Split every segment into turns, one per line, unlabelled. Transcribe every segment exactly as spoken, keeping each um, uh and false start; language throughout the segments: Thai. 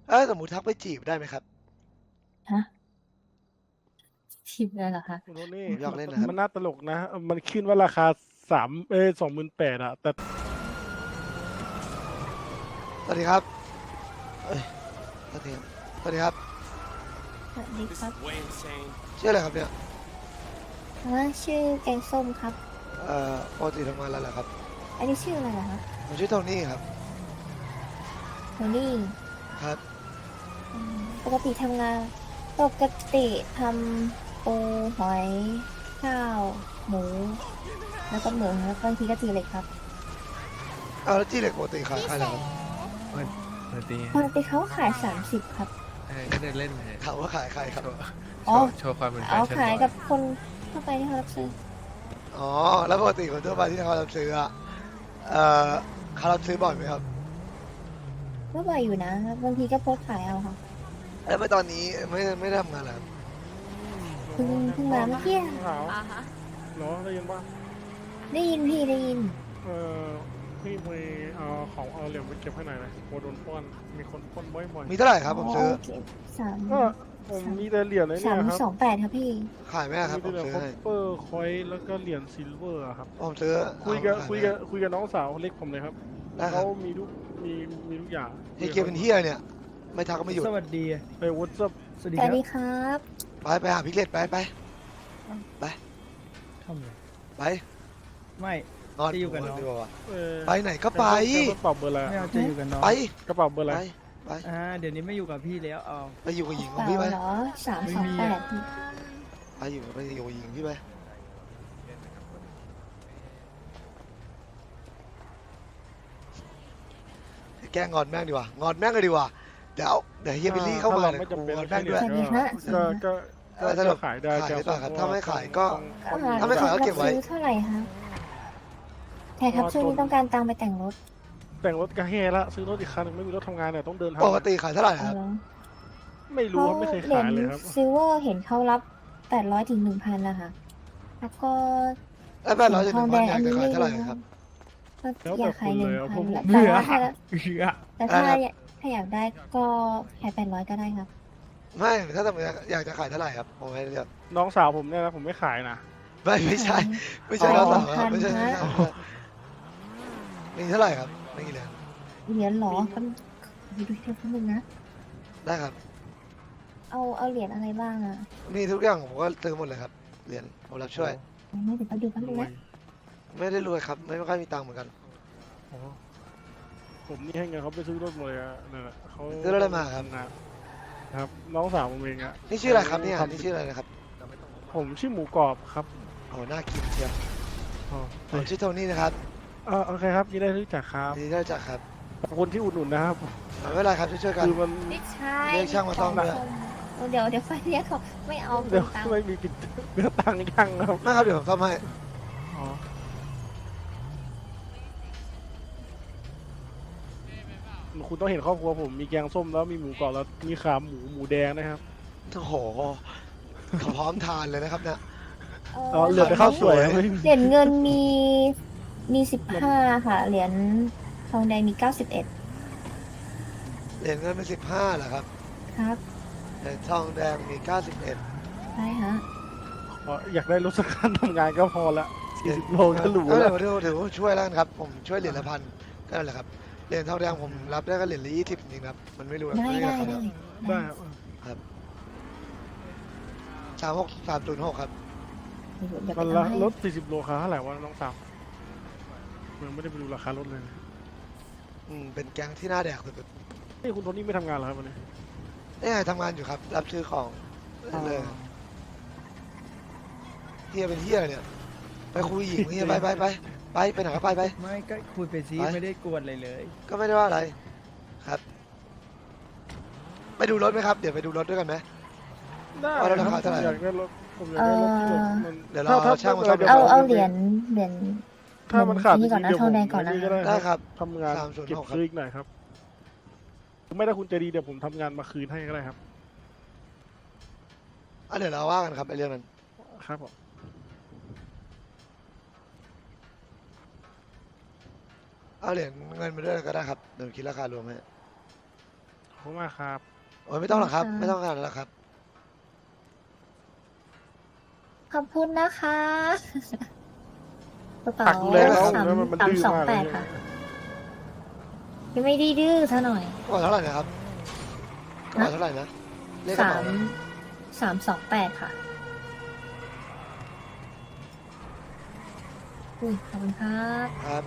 เอ้ยสมมติทักไปจีบได้ไหมครับ
ฮะชิมเลยเหรอคะ
คุณโทนี่
ผมอยาก
มัน
เล่นนะครับ
มันน่าตลกนะ มันขึ้นว่าราคาสามเอ้สองหมื่นแปดอะแต่
สวัสดีครับเอ้ยสวัสดีครับสวัสดีครับ
สวัสดีครับ
ชื่ออะไรครับเนี่ย
ว่าชื่อแกงส้มครับ
เอ่อปกติทำงานอะไรเหรอครับ
อันนี้ชื่ออะไรเหรอคะ
ผมชื่อโทนี่ครับ
โทนี่
ครับ
อืมปกติทำงานปกติทำปูหอยข้าวหมู แล้วก็หมูแล้วก็บางทีก็จีเล็กครับ
เอาแล้วจีเหล็กปกติขายอะไรครับ
สวัสดี
ปกติเขาขายสามสิบครับ
เออก็เดินเล่นเลย
ถามว่าขายใครครับ
อ๋อ
โชว์ความเป็นแฟ
เอา
ชั่น
ขาย
บ่อ
กับคนทั่วไปที่เขารับซื้อ
อ๋อ แล้วปกติคนทั่วไปที่เขารับซื้ออะเอ่อเขารับซื้อบ่อยไหมครับ
ก็บ่อยอยู่นะบางทีก็โพสต์ขายเอาค่ะ
แล้วไม่ตอนนี้ไม่ไม่ได้ทำงานแล้ว
เพิ่งเพิ่งมาเมื่อกี้
ขาวเนาะได้ยินป่ะ
ได้ยินพี่ได้ยิน
เออพี่ไปเอาของเอาเหรียญไปเก็บให้หน่อยนะโมโดนปล้นมีคนปล้นบ่อย
มีเท่าไหร่ครับผมซื้อ
โเคสาม
ๆก็ผมมีแต่เหรียญไอ้
สา
เนี่
ม
ยครับ
สองแปดครับพี่
ขายไหมอะครับ
มี
ผ
แต่
ม
เหรียญ
ซื้อ
คอป
ให้
เปอร์คอยแล้วก็เหรียญซิลเวอร์อะครับ
ผมซื้อ
คุยกับ
เอา
คุยกับคุยกับน้องสาวเล็กผมเลยครับ
ได้ครั
เขา
บ
มีทุกมีมีทุกอย่าง
เฮียเกียร์เป็นเฮียเนี่ย ไม่ทักก็ไม่หยุด
สวัสดี
ไปวอทซับ
สวัสดี
ส
ค
วั
รั
ส
บ
ดีครับ
ไปไปหาพิกเลตไปไปไป
ทำเลย
ไป
ไม่
นอน
จะอยู่กับน้อง
ดีกว่า
เออ
ไปไหนก็ไป
กระเป๋าเบอร์อะไร
ไม่เอาจะอยู่กับน้อง
ไป
กระเป๋าเบอร์อะไร
ไปไป
อ่าเดี๋ยวนี้ไม่อยู่กับพี่แล้วเอา
ไปอยู่กับหญิงข
เป
อง
ล่า
พี่ไป
เหรอสามสองแปด
ไปอยู่ไปอยู่กับหญิงพี่ไปแกล้งงอนแม่งดีกว่างอนแม่งเลยดีกว่าเดี๋ยวเดี๋ยวเฮียบิลลี่เข้ามา
ถ้
เนี่ย
ไม่จำเป็น
งอนแม่งด้วย
สวัสดีฮะ
ก็ก็
เออถ้าเรา
ก็ขายได้
ขายได้
จะ
ครับถ้าไม่ขายก็
ต้อง
อ่า
ถ้าไม่ขายก็เก็บไว้
ซื้อเท่าไหร่คะใช่ครับช่วงนี้ต้องการตังค์ไปแต่งรถ
แต่งรถก็แห่ละซื้อรถอีกคันหนึ่งไม่มีรถทำงานเนี่ยต้องเดินทาง
ปกติขายเท่าไหร่
เอา
ครับ
เหรอ
ไม่รู้ครับไม่เคย
เหรีย
ขาย
ญ
เลยครับ
ซิลเวอร์เห็นเขารับแปดร้อยถึงหนึ่งพันนะคะแล้วก็
แล้วแปดร้อยจะหนึ่งพันอยากจะขายเท่าไหร่ครับ
ก็อยากขายหนึ่งพัน
เบื่
แต่
อ
ว่าถ้า
เบื่อ
แต่ถ้า
อะไรนะ
ถ้าอยากได้ก็ขายแปดร้อยก็ได้ครับ
ไม่ถ้าสมมติอยากจะขายเท่าไหร่ครับผมให้เลือก
น้องสาวผมเนี่ยนะผมไม่ขายนะ
ไม่ไม่ใช่ ไม่ใช่
อ๋
เรา
อ
สาวครับไม่ใช่
พัน
ไม่
ฮะ
ใช่มีเท่าไหร่ครับไม่กี่เหรียญ
เหรียญเหรอมันดูดูเทียบกันนึงนะ
ได้ครับ
เอาเอาเหรียญอะไรบ้างอ่ะ
มีทุกอย่างผมก็ซื้อหมดเลยครับเหรียญผมรับช่วย
ไม่เดี๋ยวเขาดูกัน
ร
ดู
วย
นะ
ไม่ได้รวยครับไม่ค่อยมีตังค์เหมือนกัน
โอ้ผมนี่ให้เงินเขาไปซื้อรถหมดเลยอะนั่นแหละเขา
ซื้อรถอะไรมาครับ
ครับน้องสาวผมเองอะ
นี่ชื่ออะไรครับเนี่ยนี่ชื่ออะไรนะครับ
ผมชื่อหมูกรอบครับ
โอ้น่ากินเชียว
อ๋อ
ผมชื่อโทนี่นะครับ
เออโอเคครับยินดีรู้จักครับ
ดีที่ได้รู้จักครับ
ขอบคุณที่อุดหนุนนะครับ
ไม่เป็นไรครับช่วยๆกัน
คือมัน
ไม่ใช่
เรียกช่างมาซ่อมด้วย
เดี๋ยวเดี๋ยวไฟเรียกเขาไม่เอา
เดี๋ยว
ตังค์
ไม่มีปิดเนื้อตังค์ยังครับ
ไม่ครับเดี๋ยวผมซ่อมให้
อ๋อคุณต้องเห็นครอบครัวผมมีแกงส้มแล้วมีหมูกรอบแล้วมีขาหมูหมูแดงนะครับ
โอ้โหเขาพร้อมทานเลยนะครับเนี่ย
อ๋อเหลือแต่ข้าวสวยครับไม่มี
เหรียญเงินมีมีสิบห้าค่ะ เหรียญทองแดงมีเก้าสิบเอ็ด
เหรียญเงินเป็นสิบห้าเหรอครับ
ครับ
เหรียญทองแดงมีเก้าสิบเอ็ด
ใช่ฮะ
อ๋ออยากได้รถสักคันทำงานก็พอละสี่สิบโลก็หรู
ก็เล
แล้
ยว ถือถือว่าช่วยแล้วกันครับ ผมช่วยเหรียญละพันก็นั่นแหละครับเหรียญทองแดงผมรับได้ก็เหรียญละยี่สิบจริงๆครับมันไม่รู้
ได้
ไม่
ได้
ราคา
ได้
ได้ครับ
สามหกสามศูนย์หกครับ
เดี๋ยวเดี๋ยวไป
มัน
เอา
ละ
ให้
รถสี่สิบโลค่าเท่าไหร่วะน้องสาวยังไม่ได้ไปดูราคารถเลย
อืมเป็นแก๊งที่น่าแดกสุด
นี่คุณโทนี่ไม่ทำงานเหรอครับวันนี้
ๆนี่ไงทำงานอยู่ครับ รับซื้อของเลยเฮียเป็นเฮียเนี่ยไปคุยหญิงเฮียไปไปไปไปไปไหนก็ไปไป
ไม่ก็คุยไปซิ
ไป
ไม่ได้กวนอะไรเลย
ก็ไม่ได้ว่าอะไรครับ ไปดูรถไหมครับ เดี๋ยวไปดูรถด้วยกันไหม
ได้
เอาแล้วราคาเท่าไหร่
อยากได้รถผมอยากได้รถที่แบบมัน
เดี๋ยวเรา
ถ้
เอาช่างมาซ่อม
ดี๋ยว
เอาเอาเหรียญเหรียญ
ถ้ามันขาด
นี่ก่อนนะ
จริงๆ
ทองแดง
เดี๋ยวผม
ก่อนนะ
ก็ได้
ได้ครับ
ทำงาน
สามศูนย์
เก็บ
หกครับ
ซื้ออีกหน่อยครับไม่ได้คุณใจดีเดี๋ยวผมทำงานมาคืนให้ก็ได้ครับ
อ่ะเดี๋ยวเราว่ากันครับไอ้เรื่องนั้น
ครับผม
เอาเหรียญเงินมาด้วยก็ได้ครับเดี๋ยวคิดราคารวมให้
โหคุณมากครับ
โอ้ยไม่ต้องหรอกครับ ไม่ต้องขนาดนั้นหรอกครับ
ขอบคุณนะคะกระเป๋า
ตักดูแลแล้ว
สาม
แล้วมันมัน
สาม
ดื้อ
สอง
มาก
แป
เล
ด
ย
ค่ะยังไม่ได้ดื้อซะหน่อย
กระเป๋าเท่าไหร่นะครับกระเป๋าเท่าไหร่นะเลขกระ
สา
เป๋าม
สามสองแปดค่ะอุ้ยขอบคุณครับ
ครับ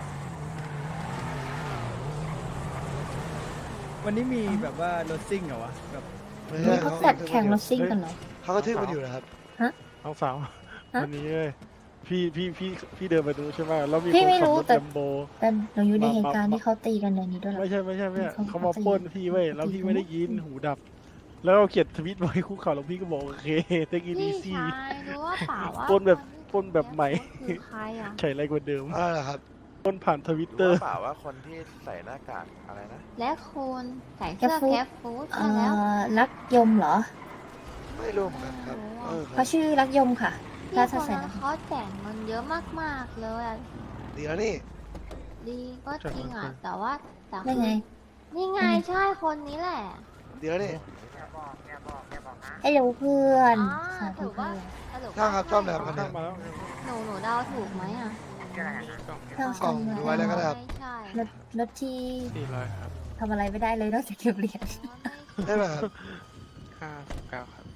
วันนี้มีแบบว่ารถซิ่งเหรอวะแบบ
ไม่
นี่
ใช่
เขาจัดแข่งรถซิ่งกันเหรอ
เขาก็ทึ่งมันอยู่นะครับ
น้องสาว
ฮะ
วันนี้เลยพี่พี่พี่พี่เดินไปดูใช่ไหมแล้วมี
พี่
คน
ไม่
ขับ
รู้
รถ
แต่
แลมโบ
แต่หนูอยู่ใน
มา
เหตุการณ์
มา
ที่เขาตีกันในนี้ด้วยเหรอ
ไม่ใช่ไม่ใช่ไม่ใช่
เขา
เขามาปล้นพี่เว้ยแล้วพี่ไม่ได้ยินหูดับ แล้วเราเขียนทวิตไว้คู่ข่าวแล้วพี่ก็บอกโอเคเทคอี
พี่
ซี่
ชายรู้ว่าเปล่าว่า
ปล้นแบบปล้นแบบใหม่
คือใครอ่ะ
ใช่ไรกว่าเดิม
อะไรเหรอครับ
ปล้นผ่านทวิตเตอ
รู้
ร์
เปล่าว่าคนที่ใส่หน้ากากอะไรนะ
และคุณใส่เสื้อแคปฟูด
เอ่
ใช่แล้ว
อรักยมเหรอ
ไม่รู้เหมือนกันครับเออครั
เขา
บ
ชื่อรักยมค่ะ
พี่
ถ้า
ค
ถ้าน ใส่
นั้นเขาแจกเงินเยอะมากๆเลยอะ
ดีแล้วนี่
ดีก็จริงอ่ะ แต่ว่าแต่
ได้ไง
นี่ไงใช่คนนี้แหละ
ดีแล้วนี่
ไอ้เร็วเพื่อน
อ๋อ
สาธุ
ถือ
เพื่
ว่า
อน
สรุป
ช่างครับซ่อมแล้วคัน
ข้า
นี้
งมาแล้ว
หนูหนูเดาถูกไหมอ่ะ
ช่าง
กล่อง
ซ่อม
ดูไว้แล้วก็ได้ครับ
ไม่ใช่
รถรถที่
สี่ร้อยครับ
ทำอะไรไม่ได้เลยนอกจากเก็บเหรียญ
ได้ไหมครับ
ห้าสิบเก้าครับ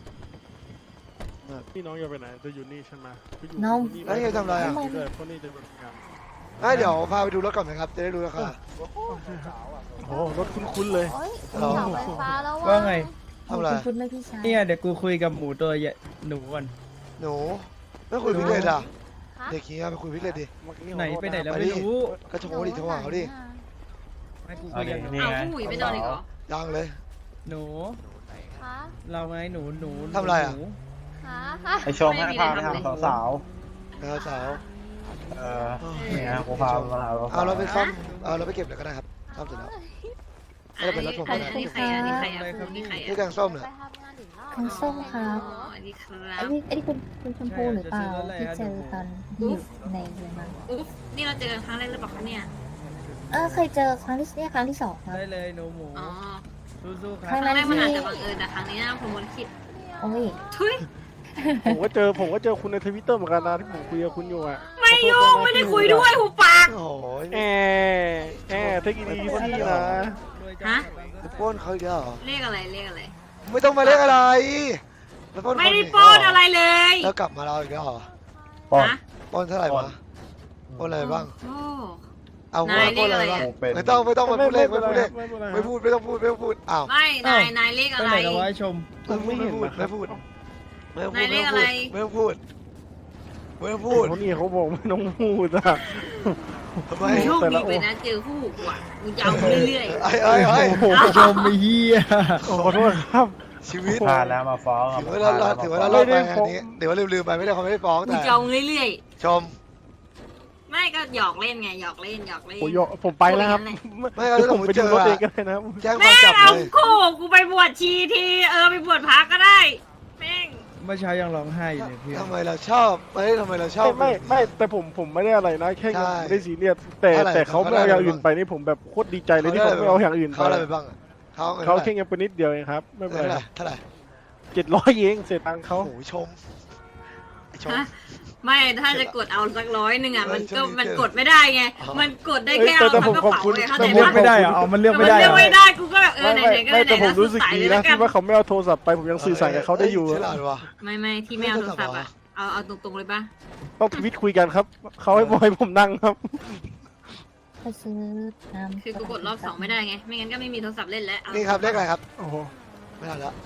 พี่น้องจะไปไหนจะอยู่นี่ใช่ไหมไปอยู่
น้อง
นี่
แล้วนี่จะทำอะไรอ่ะ
ด้วยเพราะนี่จะเป็นงาน
ให้เดี๋ยวพาไปดูรถก่อนไหมครับ จะได้รู้ราคา
โอ้โหรถคุ้นๆเลย
โอ้ย
เรา
เสาไฟฟ้าแล้ว
ว่าไง
ทำอะไร
คุณไม่พี่ชาย
เนี่ยเดี๋ยวกูคุยกับหมูตัวใหญ่หนูก่อน
หนูไม่คุยพิเรนอ่ะ
คะ
เด็กขี้ไปคุยพิเรนดิ
ไหนไปไหนแล้ว
ไป
ไม่
ดิ
รู้
ก็โทรดิโทรหาเขาดิ
ให้กูคุยกับหนู
เอาผู้หมุยไปนอนอีกเหรอ
ยังเลย
หนู
คะ
เราไงหนูหนู
ทำอะไรอะ
หนู
คะคะ
ไอชมให้พาไปหาสาว
นะครับสาว
ๆเออเนี่ยกูพามาหา
เอาเราไปซ่อมเอาเราไปเก็บเลยก็ได้ครับซ่อมเสร็จแล้ว ไม่ได้เป็นรถผม
อั
นะ
นนี้ใครอ่ะอันนี้ใครอ่ะอันนี้ใคร
นี่
อ่ะ
แกงส้มเนี่ย
ไปทำงานถึงรอบ
คันส้มครับ
อ๋ออันนี้ครั
ไอ้
บ
นี่ไอ้นี่คุณคุณชมพูหรือเปล่าที่เจอตอนอยู่ในเรือนมา
อุ๊บนี่เราเจอกันครั้งแรกหรือเปล่าคะเนี่ย
เออเคยเจอครั้งที่เนี่ยครั้งที่สองครับ
ได้เลยหนูหมู
อ๋อ
สู้ๆค
ครั้
รับ
ง
ครั้งแรกมันอาจจะบังเอิญแต่ครั้งนี้นะผมวนคิด
โอ้ย
ทุย
ผมก็เจอผมก็เจอคุณในทวิตเตอร์เหมือนกันนะที่ผมคุยกับคุณอยู่อ่ะ
ไม่ยุ่งไม่ได้คุยด้วยหูปาก
โอ้โห
แอแอเทคอีซี่นะ
ฮะ
ไปปล้นเขาอีกแล้วเหรอ
เลขอะไรเลขอะไร
ไม่ต้องมาเรียกอะไรแล้วปล้น
ไม่ได้
คน
ปล้นอะไรเลย
แล้วกลับมาเราอีกแล้วเหรอ
ฮะ
ปล้นเท่าไหร่วะปล้นอะไรบ้าง
โอ้
เอาหัวน
าย
ปล้นอะไร
เรียกอะไร
บ้าง
อะ
ไม่ต้องไม่ต้องมาพูดเลขไม่พูดเลข
ไม่เป็นไร
ไม่พูดไม่ต้องพูดไม่ต้องพูดอ้าว
ไม่นายนายเลข
ไป
อะไร
ไหนแล้ววะไอ้ชม
ไม่พูดไม่พูดไม่ต้องพูด
นายเลขอะไร
ไม่ต้องพูดไม่ต้องพูด
เขานี่เขาบอกไม่ต้องพูดอ่ะ
ทำไม
โชคดีไปนะเจอคู่หูอ่ะมึงจะเอาเรื่อย
ไอ้ไอ้ไอ้
โอ้โหชมไอ้เหี้ย
ขอโทษครับ
ชีวิต
พาแล้วมาฟ้อง
ถือว่าเราเราถือว่าเรารอดไปอันนี้เดี๋ยวว่าลืมๆไปไม่ได้เขาไม่ได้ฟ้อง
ๆมึ
แต่
งจะเอาเรื่อย
ชม
ๆไม่ก็หยอกเล่นไงหยอกเล่นหยอกเล่น
ผมยอผมไปแล้วครับ
ไม่เอาถ้าผม
ไป
เจ
ดู
อ
รถเอ
อะ
งกันเลยนะ
แจ้งค
แม่
วาม
ง
จับ
เอา
เลย
คู่กูไปบวชชีทีเออไปบวชพระก็ได้แม่ง
เมื่อเช้ายังร้องไห้อยู่เลยพี่
ทำไมเราชอบไม่ทำไมเราชอบ
ไม่ไม่ไม่แต่ผมผมไม่ได้อะไรนะแค่
ใช่
ไม่ได้ซีเรียสแต่
เท่าไหร่
แต่เขาไม่เอาอย่างอื่นไปนี่ผมแบบโคตรดีใจเลยที่เขาไม่เอาอย่างอื่นไป
เขาอะไรไปบ้างอะเขา
เขาแค่เงินไปนิดเดียวเองครับไม่เป็น
เท่า
ไร
ไหร่เท่าไหร่
เจ็ดร้อยเองเสียตังค์เขา
โอ้โหชมไอ้ชม
ฮะไม่ถ้าจะกดเอาสักร้อยหนึ่งอ่ะ
เออ
มันก็
ช่วงนี้
มัน
เจอ
กดไม่ได้ไง
อ๋อ
มันกดได้
เอ้ย
แค่
แต่
เอา
แต่
ทั้
ผม
งกระ
ขอบ
เป๋า
คุณ
เลยเข้า
มั
ใจ
นเลือก
ปะ
ไม่ได้เหรออ๋อมันเลือกไม่ได้
มัน
เหร
เลือก
อ
ไม่ได้กูก็แบบเออ
ไม่
ไห
ไม่
นๆก็
ไม่
ไหน
แต่ผม
ๆ
รู้สึกดีนะ
แล้ว
ที่ว่าเขาไม่เอาโทรศัพท์ไปผมยังสื่อสารกับเขาได้อยู่
ฉลาดว่ะ
ไม่ไม่ที่ไม่เอาโทรศัพท์อ่ะเอาเอาตรงๆเลยปะ
ต้องทวิตคุยกันครับเขาให้บอยผมนั่งครับ
ไปซื้อน้ำ
คือกูกดรอบสองไม่ได้ไงไม่งั้นก็ไม่มีโทรศัพท์เล่นแล้วเอา
นี่ครับเลขอะไรครับ
โอ้โห
ไม่ทันแล้ว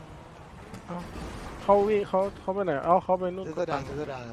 เขาวิ่งเขาเขาไปไหนเอ้าเขาไปนู่น
ซื้อโซดาซื้อโซดาครับ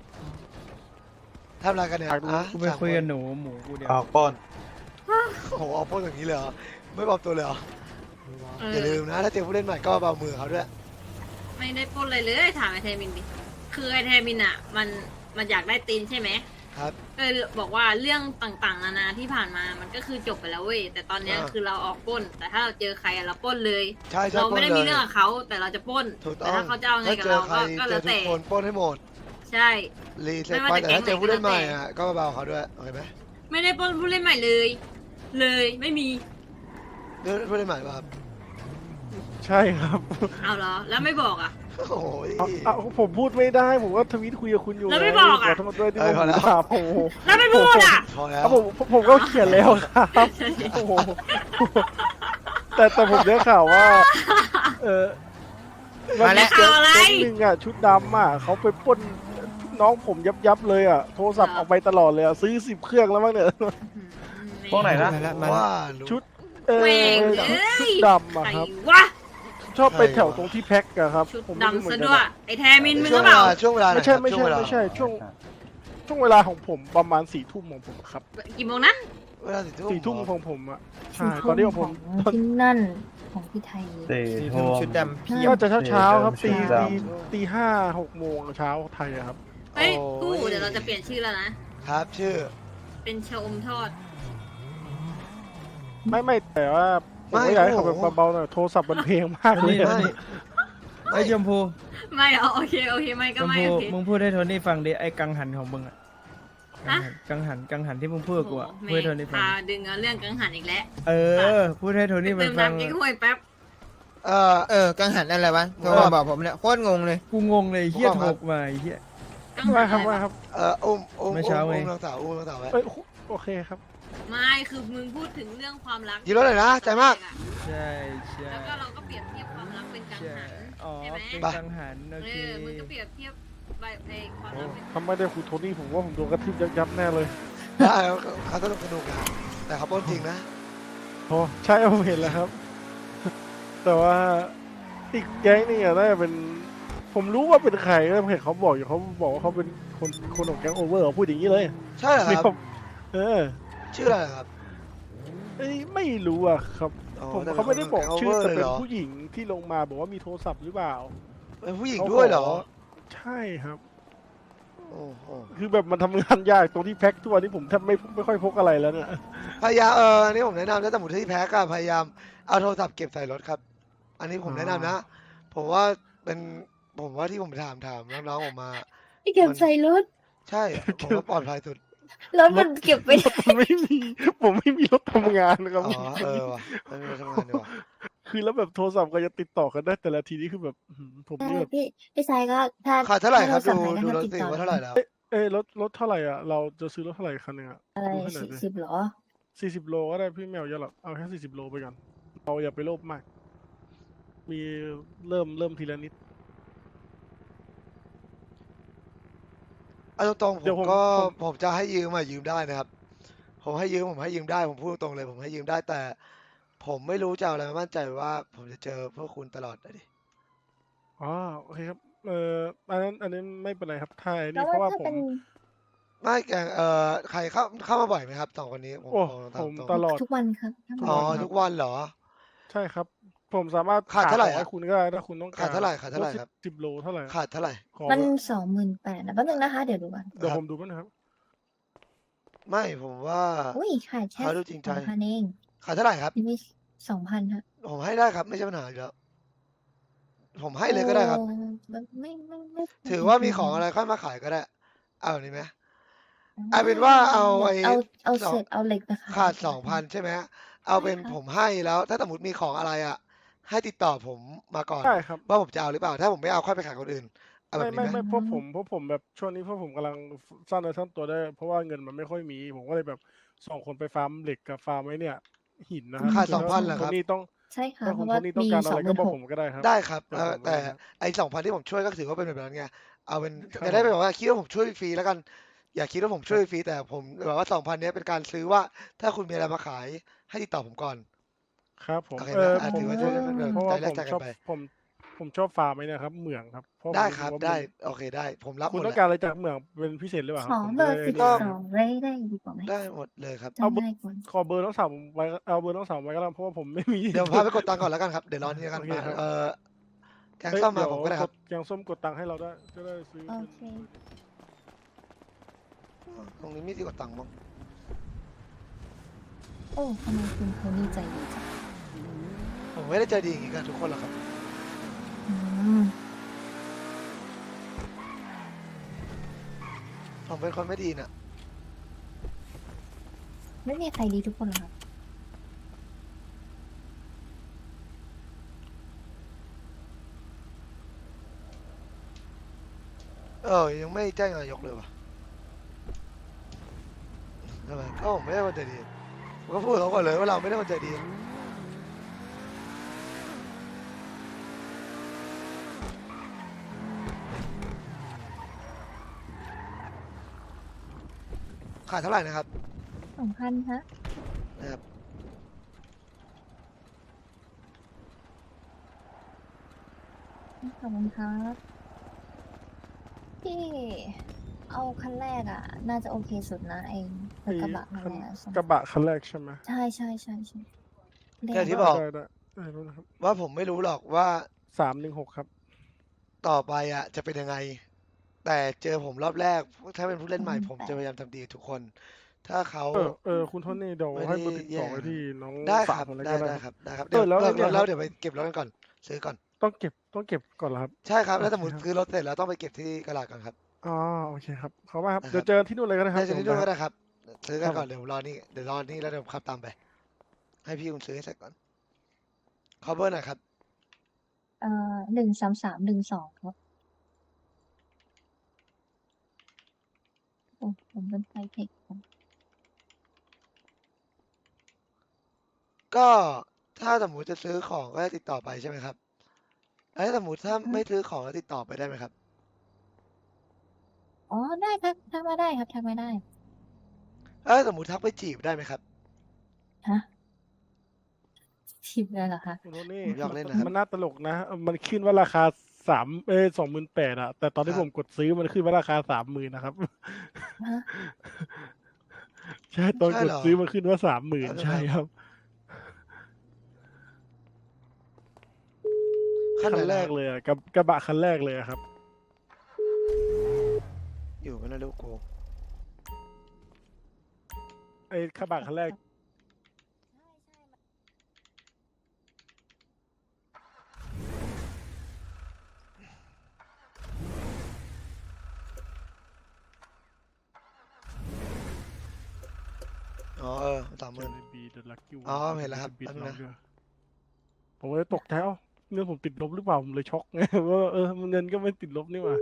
ทำอะไรกันเนี่ย
อยากดู
อ่ะ
กูไปคุยกับหนูหมูกูเดียว
ออกปล้น
โอ้โหเอาพูดอย่างนี้เลยเหรอไม่บอกตัวเลยเหรอ
เอ
อย่า
อ
ลืมนะถ้าเจอผู้เล่นใหม่ก็เบามือเขาด้วย
ไม่ได้ปล้นเลยเลยถามไอเทมินดิคือไอเทมินอ่ะมันมันอยากได้ตีนใช่ไหม
ครับ
ก็เลยบอกว่าเรื่องต่างๆนานาที่ผ่านมามันก็คือจบไปแล้วเว้ยแต่ตอนเนี้ย
อ่า
คือเราออกปล้น แต่ถ้าเราเจอใครอะเราปล้นเลย
ใช่ใช่
เราไม่ได้
ปล้
มี
นลย
เรื่องกับเขาแต่เราจะปล้น
ถูกต้
แต่
อง
ถ้าเขาจะเอาไง
ถ้า
กับ
เจอ
เรา
ใคร
ก็ก็
เจ
แล้
อ
ว
ทุ
แต่
กคนปล้นให้หมด
ใช่
รีเซ็ต
ไม่
ไป
ว่าจะ
แต่ถ้าเจอผู้เล่นใหม่
แก๊งไหนก็แล้วแต่
อ่ะก็เบาเขาด้วยโอเคไหม
ไม่ได้ปล้นผู้เล่นใหม่เลย เลยไม่มี
เรื่องผู้เล่นใหม่ป่ะครับ
ใช่ครับ
เอาเหรอ แล้วไม่บอกอ่ะ
โอ้ย
เอาเอาผมพูดไม่ได้ผมก็ทวีตคุยกับคุณอยู่
แล้วไม่บอกอะ
ขอโทษด้วยที่
เอ
ผ
อ
ม
พอแล้ว
ด่าโอ้โห
แล้วไม่พูดอ่ะ
พอแล้
คว รับผมผมผมก็เขียนแล้วครับโอ้โหแต่แต่ผมได้ข่าวว่า เออ
มาแล้ว
แก๊ง
ข่าวอะไร
แก๊งหนึ่งอ่ะชุดดำอ่ะเขาไปปล้นน้องผมยับยับๆเลยอ่ะโทรศัพท์
เหรอ
เอาไปตลอดเลยอ่ะซื้อสิบเครื่องแล้วมั้งเนี่ย
พวกไหนนะ
มาแล้วมา
ว่า
แล้ว
รู้
ชุดเออ
เว้ง
ชุด
เอ้ย
ชุดดำอ่ะ
ใคร
ครับ
วะ
ชอบไป
ใครวะ
แถวตรงที่แพ็คอะครับ
ชุด
ผมไม่รู้เห
ดำ
มือ
ซะ
นกั
ด้วย
น
ไอ้แทมินมึง
ช่
ก็
วง
เป
เว
ล่า
ลาช่วงเวลาไหน
ไม่ใช่
ครับ
ไม่
ช่ว
ใช่
งเวลา
ไม่ใช่ช่วงช่วงเวลาของผมประมาณสี่ทุ่มของผมครับ
กี่โมงนะ
เวลาสี่ทุ่ม
สี่ทุ่ม
เหรอ
ของผมอ่ะใช่
สี่
ตอนนี้ของ
ข
ผ
อง
ม
ที่นั่นของพี่ไทย
สี่ทุ่มชุดดำเพียบ
ก็จะเช้าเช้าๆครับ
สี
ตี
ดำ
ตีตีห้าหกโมงเช้าไทยอะครับ
เฮ้ย
โอ้
กู้เดี๋ยวเราจะเปลี่ยนชื่อแล้วนะ
ครับ ชื่อ
เป็นชะอมทอด
ไม่ไม่แต่ว่าผม
ไม่
ก็อยากให้เขา
โอ้
แบ
โห
บเบาๆหน่อยโทรศัพท์มันเพลงมากเลย
นี่
อะ
นี่ไอ้ชมพู
ไม่เอาโอเคโอเคไม่
ช
ก็
ม
ไม่
พู
โอเค
มึงพูดให้โทนี่ฟังดิไอ้กังหันของมึงอะ
ฮะ
กังหันกังหันที่มึงพูดกับกูอะ
โอ้โห
พูดให้โทนี่ฟัง
พาดึงเอาเรื่องกังหันอีกแล้ว
เออ พูดให้โทนี่มั
เติ
น
ม
ฟัง
น้ำกิ๊กห้วยแป๊บ
เอ่อ
เออ กังหันอะไรวะโทรมาบอกผมเนี่ยโคตรงงเลย
กูงงเลยไอ้เฮีย
ผม
โท
ว่า
รมาไอ้เฮีย
กังหั
ว่าน ครับ
อะไร
ว่าว
ะ
ครับ
เอ่ออุ้มอุ้ม
เมื่
อุ้
อเช้าม ไง
อุ้มน้องสาวอุ้มน้องสาวไว้
เอ้ยโอเคครับ
ไม่คือมึงพูดถึงเรื่องความรัก
ยืนรถหน่อยนะใจมาก
ใช่ใช่
แล้วก็เราก็เปรียบเทียบความรักเป็นกัง
ใช่
หัน
อ๋อ
ใช่ไหม
เป็นกังหันโอ
เอ
เค
อมึงก็เปรียบเทียบใบในความ
โอ้
รักเป็น
ถ้าไม่ได้คุณโทนี่ผมว่าผมโดนกระทืบยับยับๆแน่เลย
ได้เขาสนุกสนุกนะแต่เขาปล้นจริงนะ
โอ้ใช่ผมเห็นแล้วครับ แต่ว่าอีกแก๊งนี่อะน่าจะเป็น ผมรู้ว่าเป็นใครแล้วผมเห็นเขาบอกอยู่เขาบอกว่าเขาเป็นคนคนของแก๊งโอเวอร์เขาพูดอย่างนี้เลย
ใช่เหรอ
นี่
ค
ผ
รับ
มเออ
ชื่ออะไรครับ
เอ้ยไม่รู้อะครับ
อ๋อ
ผม
แต่
เขาไม่ได้บอกชื่อ
เป็น
แต่เป็น
เหรอ
ผู้หญิงที่ลงมาบอกว่ามีโทรศัพท์หรือเปล่า
เป็นผู้หญิงด้วยเหรอ
ใช่ครับ
โอ้โห
คือแบบมันทำงานยากตรงที่แพ็คทุกวันนี้ผมแทบไม่ไม่ค่อยพกอะไรแล้วเนี่ย
พยายามเอออันนี้ผมแนะนำนะแต่หมุดที่แพ้ก็พยายามเอาโทรศัพท์เก็บใส่รถครับ อันนี้ผมแนะนำนะ ผมว่าเป็นผมว่าที่ผมถามถามน้องๆผมมา
ที่เก็บใส่รถ
ใช่ผมว่าปลอดภัยสุด
รถมันเก็บไป
ผมไม่มีผมไม่มีรถทำงานนะครับ
อ๋อเออว่ะไม่มีทำงานดีกว่า
คือแล้วแบบโทรศัพท์ก็จะติดต่อกันได้แต่ละทีนี่คือแบบอื้อหือผม
ใช่
นี่แบบ
พี่พี่ชายก็ถ้า
ขาดเท่าไหร่ครับ
ถ้
ดู
เาสั่ง
ดู
ไหน
รถ
ก็
สิ
ติดต่อ
ว่าเท่าไหร่แล้ว
เอ้ยรถรถเท่าไหร่อ่ะเราจะซื้อรถเท่าไหร่คันหนึ่งอ่ะ
อะไร
ดูให้หน่อย
สี่
ดิ
สิบเหรอ
สี่สิบโลก็ได้พี่แมวเยอะหรอกเอาแค่สี่สิบโลไปก่อนเราอย่าไปโลภมาก มีเริ่มเริ่มทีละนิด
เอาตรงๆผ
เดี๋ยว
ม
ผม
ก็
ผม
ผมจะให้ยืมมายืมได้นะครับ ผมให้ยืมผมให้ยืมได้ผมพูดตรงเลย ผมให้ยืมได้แต่ ผมไม่รู้จะเอาอะไรมามั่นใจว่า ผมจะเจอพวกคุณตลอดเลยดิ
อ๋อโอเคครับเอ่ออันนั้นอันนี้ไม่เป็นไรครับถ้าไอ้
แล้
นี่
ว
เพราะว่า
ถ้า
ผ
เป็
ม
น
ไม่แกงเอ่อใครเข้าเข้ามาบ่อยไหมครับสองคนนี้ผม
โอ้
บอก
ผม
ตรง
ตลอด
ทุกวันครับ
ๆอ๋อทุกวันเหรอ
ใช่ครับ ผมสามารถ
ขาดเท่าไหร่
ขอให้
อะ
คุณก็ได้ถ้าคุณต้องการ
ขาดเท่าไหร่ขาดเท่าไหร่ครับ
สิบโลเท่าไหร่
ขาดเท่าไหร่
ขอ
มัน
ไว้
สองหมื่นแปดนะแป๊บนึงนะคะ เดี๋ยวดูก่อน
เดี๋ยวผมดูมั้งนะครับ
ไม่ผมว่า
อุ้ยขาดแค่
เขาดูจริงใจ
สองพันเอง
ขาดเท่าไหร่ครับ
นี่มีสองพันฮะ
ผมให้ได้ครับไม่ใช่ปัญหาอยู่แล้วผมให้เลยก็ได้ครับ
โอ้ไม่ไม่ไม่ไม่
ถือว่ามีของอะไรค่อยมาขายก็ได้ เอาอันนี้ไหม เอาเป็นว่าเอาไอ้
เอาเอา
สอง
เศษเอาเหล็กนะคะ
ขาดสองพันใช่ไหมเอาเป็นผมให้แล้ว ถ้าสมมติมีของอะไรอ่ะ ให้ติดต่อผมมาก่อน
ได้ครับ
ว่าผมจะเอาหรือเปล่า ถ้าผมไม่เอาค่อยไปขายคนอื่นเอาแบ
ไม่
บ
ไม่
นี้ไหม
ไม่เพราะผมเพราะผมแบบช่วงนี้เพราะผมกำลังสร้างเนื้อสร้างตัวได้ เพราะว่าเงินมันไม่ค่อยมี ผมก็เลยแบบส่งคนไปฟาร์มเหล็กกับฟาร์มไว้เนี่ย หินนะครับ
ขาด
ถ้
สองพันเหรอครับ
ณโทนี่ต้อง
ใช่ค่ะ
ถ้า
เพ
คุณ
ราะ
โท
ว่า
นี่ต้อง
มี
การ
ส
อะ
อง
ไร
ห
ก็
มื่น
บอก
หก
ผมก็ได้ครับ
ได้ครับ
เดี๋ยว
เอ่อ
ผม
แต่
ไว้ให้
ไอ้สองพันที่ผมช่วยก็ถือว่าเป็นแบบนั้นไงเอาเป็น
ครับ
จะได้ไม่แบบว่าคิดว่าผมช่วยฟรีแล้วกัน อย่าคิดว่าผมช่วยฟรีแต่ผมแบบว่าสองพันนี้เป็นการซื้อว่า ถ้าคุณมีอะไรมาขายให้ติดต่อผมก่อน
ครับผม
โอเค
เอ
นะ
อ
อ่ะ
ผม
ถือว่าช่วยเป็นแบบ
เพราะ
ใจ
ว่า
แร
ผ
ก
ม
ใจกั
ชอน บ
ไป
ผมผมชอบฟาร์มไหมนะครับเหมืองครับเพราะผม
ได้ครับ
ว่ามัน
ได้โอเคได้ ผมรับห
คุ
ม
ณ
ด
ต้อ
แห
งการ
ละ
อะไรจากเหมืองเป็นพิเศษหรือเปล่าค
ข
รับ
อ
ผม
เบอร์
จะ
ติด
ได้
ต่อไว้ได้ดีกว่าไหม
ได้หมดเลยครับ
จำได้ก่อน
ขอเบอร์น้องสาวผมไว้เอาเบอร์น้องสาวไว้ก็ได้เพราะว่าผมไม่มี
เดี๋ยวพาไปกดตังค์ก่อนแล้วกันครับเดี๋ยวรอนี่แล้วกัน
โอเคครับ
เอ่อแกง
เอ้ย
ซ่อมมา
เดี๋ยว
ผมก็ได้ครับ
กแกงส้มกดตังค์ให้เราได้จะได้ซื้อ
โอเค
ตรงนี้มีที่กดตังค์มั้ง
โอ้ทำไมคุณโทนี่ใจดีจัง
ผมไม่ได้ใจดีอย่างนี้กับทุกคนหรอกครับ
อืม
ผมเป็นคนไม่ดีน่ะ
ไม่มีใครดีทุกคนหรอกครับ
เออยังไม่แจ้งนายกเลยวะทำไมก็ผมไม่ได้คนใจดีผมก็พูดเขาก่อนเลยว่าเราไม่ได้คนใจดีขาดเท่าไหร่นะครับ
สองพันฮะ
นะครับ
ขอบคุณครับพี่เอาคันแรกอ่ะ น่าจะโอเคสุดนะเองรถกระบะคันแรกอะใช่ไหม
กระบะคันแรกใช่ไหม
ใช่ใช่ใช่ใช่เล
แต่
ข
ที่บอก
ได้ได้ได้รู้นะครับ
ว่าผมไม่รู้หรอกว่า
สามหนึ่งหกครับ
ต่อไปอ่ะจะเป็นยังไง แต่เจอผมรอบแรก ถ้าเป็นผู้เล่นใหม่ผมจะพยายามทำดีกับทุกคน ถ้าเขา
เออเออคุณโทนี่เดี๋ยว
ไม่ได้
ให้เบอร์ติดต่อ
แย่
ไว้ที่น้อง
ได้ค
สา
รั
ม
บ
อะไร
ได้
ก็ได้
ได้
ค
ครับ รับได้ครับ
เอ
เดี๋ยว
อแล้ว
เลิก
เนี่ย
รถแล้ว
ครับ
เดี๋ยวไปเก็บรถกันก่อน ซื้อก่อน
ต้องเก็บต้องเก็บก่อนเหรอครับ
ใช่ครับ แล้ว
โอเค
สมมติ
ครับ
ซื้อรถเสร็จแล้วต้องไปเก็บที่กระดาษก่อนครับ
อ๋อโอเคครับเขาว่าครับ
นะครับ
เดี๋ยวเจอที่นู่นเลยก็ได้ครับ
ได้จะนี่ด้วยก็ได้ครับ ซื้อกัน
ครับ
ก่อนเดี๋ยวรอนี่เดี๋ยวรอนี่แล้วเดี๋ยวผมขับตามไป ให้พี่คุณซื้อให้เสร็จก่อนขอเบอร์หน่อยครับ
เอ่อหนึ่งสามสามหนึ่งสองครับโอ้ผมเป็นไฟเทคครับ
ก็ถ้าสมมติจะซื้อของก็ให้ติดต่อไปใช่ไหมครับแล้วถ้าสมมติถ้าไม่ซื้อของแล้วติดต่อไปได้ไหมครับ
อ๋อได้ครับทักมาได้ครับทักมาได้
เอ้ยสมมติทักไปจีบได้ไหมครับ
ฮะชิปเลยเหรอคะ
คุณโทนี่
ผมอยากเล่นนะครับ
มันน่าตลกนะ มันขึ้นว่าราคาสามเอ้สองหมื่นแปดอะแต่ตอนที่
ครับ
ผมกดซื้อมันขึ้นว่าราคาสามหมื่นนะครับ
ฮะ
ใช่ตอน
ใช่
กด
เหรอ
ซื้อมันขึ้นว่าสามหมื่น
เอาเถอะ
ใช่ครับ
ขั้น
คั
ไหน
นแร
นะ
กเลยอะกับกระบะคันแรกเลยอะครับ
อยู่ไม่น่ารู้กู
ไอ้กระบะคันแรก
อ๋อเออสามหมื่น
บีเดอะลักกี้
อ๋อเห็นแล้วครับ
บิด
แป๊บนึ
น้
ง
อง
นะ
ด้วยผมก็เลยตกใจเอ้าเงินผมติดลบหรือเปล่าผมเลยช็อกไง ว่าเออเงินก็ไม่ติดลบนี่หว่า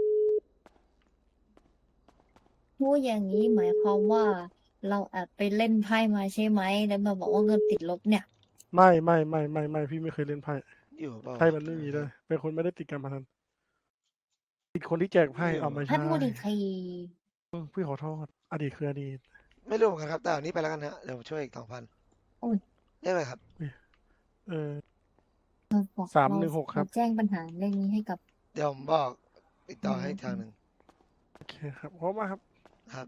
พูดอย่างนี้หมายความว่าเราแอบไปเล่นไพ่มาใช่ไหมแล้วมาบอกว่าเงินติดลบเนี่ย
ไม่ไม่ไม่ไม่ไม่พี่ไม่เคยเล่นไพ่
อยู่เปล่า
ไพ่มันไม่มีเลยเป็นคนไม่ได้ติดการพนันติดคนที่แจกไพ่เอาไม่
ท่า
ใช่
นพูดอีกที
เออพี่ขอโทษอดีตคืออดีต
ไม่รู้เหมือนกันครับแต่อันนี้ไปแล้วกันฮะเดี๋ยวผมช่วยอีกสองพัน
โอ้ย
ได้ไหมครับ
เออ
บอก
สาม
เร
หนึ่งหกครับ
เาแจ้งปัญหาเรื่องนี้ให้กับ
เดี๋ยวผมบอกติดต่อให้อีกทางหนึ่ง
โอเคครับเพราะว่าครับ
ครับ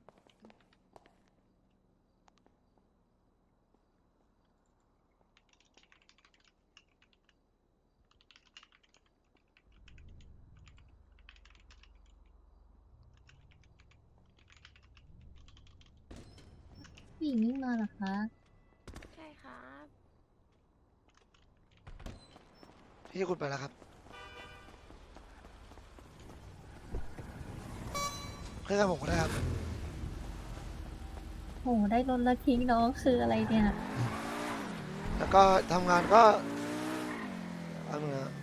ผู้หญิงนี่มาเหรอคะ
ใช่ครับ
พี่คุณไปแล้วครับขึ้นกับผมก็ได้ครับ
โหได้รถแล้วทิ้งน้องคืออะไรเนี่ย
แล้วก็ทำงานก็เอาเนื้อ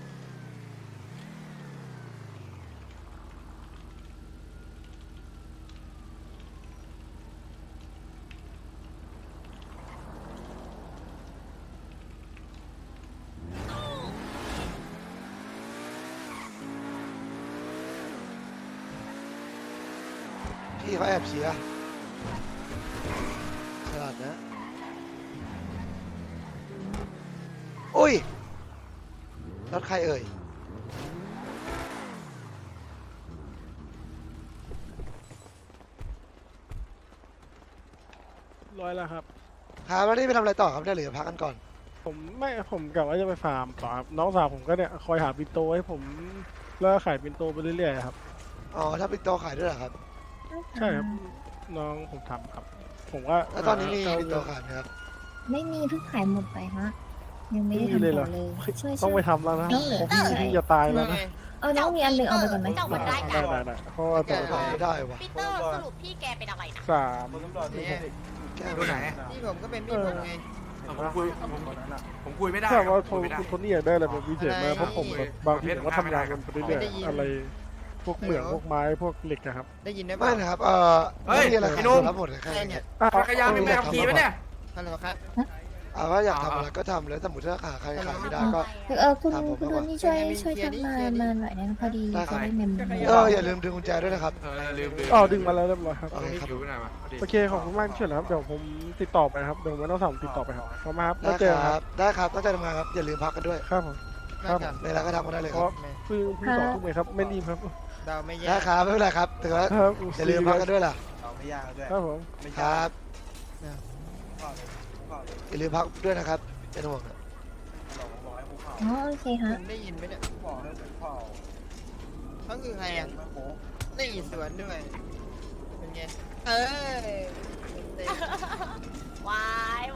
พี่เขาแอบเชียร์ฉลาดนะ อุ้ยรถใครเอ่ย
ร้อยแล้วครับ
ครับแล้วนี่ไปทำอะไรต่อครับเนี่ยหรือพักกันก่อน
ผมไม่ผมกะว่าจะไปฟาร์มต่อครับน้องสาวผมก็เนี่ยคอยหาปินโตให้ผมแล้วก็ขายปินโตไปเรื่อยๆครับ
อ๋อ ถ้าปิดโตขายด้วยเหรอครับ
ใช่ครับน้องผมทำครับ ผมก็
แล้วตอนนี้มี
หา
ปิดโตขายไหมครับ
ไม่มีเพิ่งขายหมดไปฮะ ยังไม่ได้
ไม่มี
ทำ
เลยเหร
ต่
อ
อเลยช่วย
ต้องไป
ช่วย
ทำแล้วนะ
น้องเหลือ
ผมพี่
ใช่
พี่จะตายแล้วนะ
เอาน้องมีอันหนึ่งเอาไปก่อนไหม
เจ้ามันได้
ได้
กัน
ได้ได้เพราะว่าต้องไป
ขาย
ทำ
ไม่ได้วะ
ปีเตอร์สรุปพี่แกเป็นอะไรนะ
สาม
เนี่ย
แก้
ดู
ไม่
ไหน
ได้
พี่ผมก็เป็นพี่ผมไง
ผมคุยผมผมคุยไม่ได้
ถ้า
ครับ
ว่า
ผมคุยไม่ได้
คุณโทนี่อยากได้อะไรเป็นพิเศษไหม
อะไร
เพราะผมแบบบางทีผมก็ทำงานกันไปเรื่อย
ไม่ได้ยิน
ๆอะไร พวกเหมืองพวกไม้พวกเหล็กอะครับ
ได้ยินได้
ไม่
ปะ
นะครับเอ่อ
เฮ้ย
ไม่มีอะไร
ไอ้
ขาย
หนุ่ม
รับหมดเลยแค่
ใคร
นี้
เนี่ย
จักรยานเป็นแบบขี่ปะเนี่ย
ฮัลโหลครับ
เอาว่าอยากทำอะไรก็ทำแล้วสมมติถ้าขาใครขายไม่ได้ก็
เออคุณ
ถามผม
คุณ
มาก่อน
โทนี่ช่วย
เคลียร์ดิ
ช่วย
เคลียร์ดิ
ทำมา
เคลียร์ดิ
มาหน่อยนะพอดี
ได้ครั
จะ
บ
ได้เมม
เอออย่าลืมดึงกุญแจด้วยนะครับ
เออลืมลืม
อ๋อดึงมาแล้วเรียบร้อยครับ
โอเคครับ
ดูหน่อยมาพอดี
โอเคขอบคุณมากที่ช่วยนะครับเดี๋ยวผมติดต่อไปครับเดี๋ยวผมไม่ต้องสั่งติดต่อไปครับขอบคุณมากครับ
ได้
แล้วเจอ
ค
ค
รั
รั
บบ ได้ครับตั้งใจทำงานครับอย่าลืมพักกันด้วย
ครับผม ครับ
เวลาก็ทำกันได้เลย
เพ
ครับ
ราะเพิ่งเพิ่งสองทุ่มเองครับไม่รีบครับ
ดาวไม่แย่
ได้ครับไม่เป็นไรครับถือว่า
ครับ
อย่าลืมพักกันด้วยล่ะ
ครับผม
ครับอย่าลืมพักด้วยนะครับเป็นห่วงนะ
อ๋อโอเคฮะ
คุณได้ยินไหมเนี่ยเขาคือใครอ่ะนี่สวนด้วย เป็นไง เออเต็ม
วาย